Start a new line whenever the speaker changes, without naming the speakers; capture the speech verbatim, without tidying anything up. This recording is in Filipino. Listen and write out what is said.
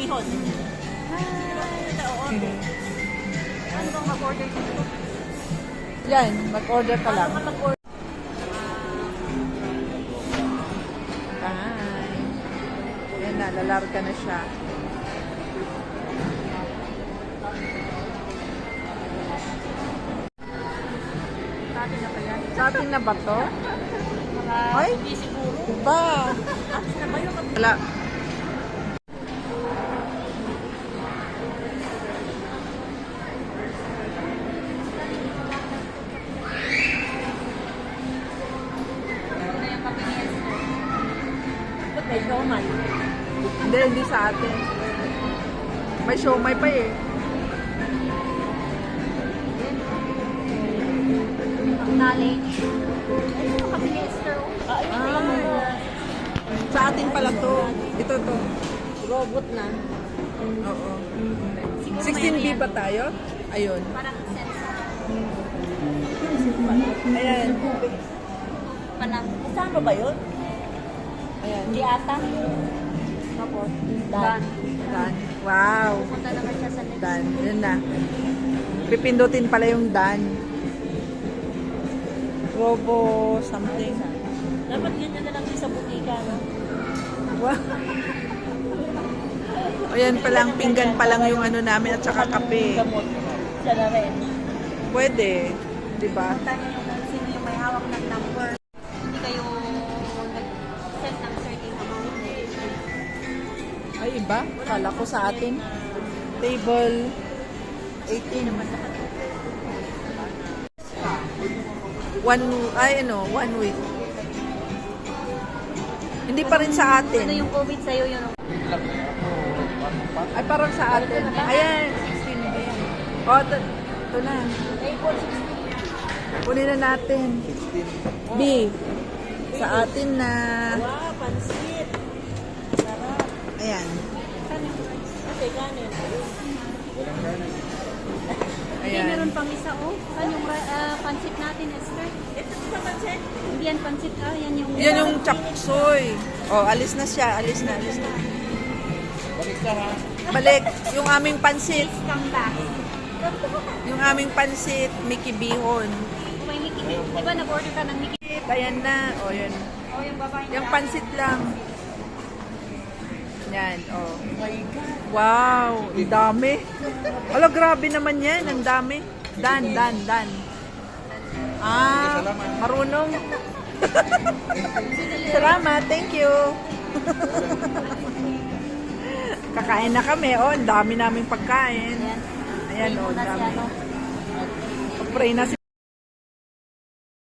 bihon. Ano bang mag-order dito?
Yan, mag-order ka lang.
Ano mag-order?
Ay. Yan na, lalarga na siya.
Sa atin na ba yan?
Sa atin na ba to?
Mga
Ay?
hindi siguro.
Diba?
Atin na ba yung
Wala.
na yung kapingin? Ba't may showman?
Hindi, hindi sa atin. May siomay pa eh.
Knowledge. Ay, yung kapingin, Esther. Ah, ayun
Ah.
pala mo.
Sa atin pala to. Ito to.
Robot na.
Oo.
Siguro
sixteen B
may ano
ba
yan.
tayo? Ayun.
Parang sensor.
Ayan.
Palang. Kasama ba yun?
Ayan.
Hindi ata. Tapos, Dan.
Dan. Wow.
Punta naman siya sa next.
Dan. Yun na. Pipindutin pala yung Dan. Robo something.
Dapat ganyan na lang din sa butika, no?
Wow. Ayan palang pinggan pa lang yung ano namin at saka kape.
Gamot. Siya na rin.
Pwede. Diba?
Punta niya yung kung sino yung may hawak ng number. Hindi kayo nag-set ng certain amount.
Ay, iba? Kala ko sa atin. Table eighteen. One, ay ano, one week. Hindi pa rin sa
Ano
atin.
yung COVID sa'yo yun?
Ay, parang sa atin. Ayan, sixteen B. O, ito, ito na.
April sixteen.
Kunin na natin. B. Sa atin na.
Wow, pansit. Sarap.
Ayan.
Saan yung rice? Okay, ganin. Hindi,
Ayan.
meron pang isa, oh. Saan yung ah, pansit natin, Esther? Ito sa pansit? Hindi yan pansit, ah. Yan yung...
Yan yung chaksoy. O, alis na siya. Alis na, alis na. Balik. Yung aming pansit.
Come back.
Yung aming pansit, Mickey Bihon.
May Mickey. Di ba nag-order ka ng Mickey?
Ayan na. O, yun.
Oh, yung babae
Yung
na-
pansit lang. Yan, oh. Wow, ang dami. Wala, grabe naman yan. Ang dami. Dan, dan, dan. Ah, marunong. Salamat, thank you. Kakain na kami. Oh, ang dami naming pagkain.
Ayan.
Ayan, oh, ang
Muna si
dami.
ano.
Pray na si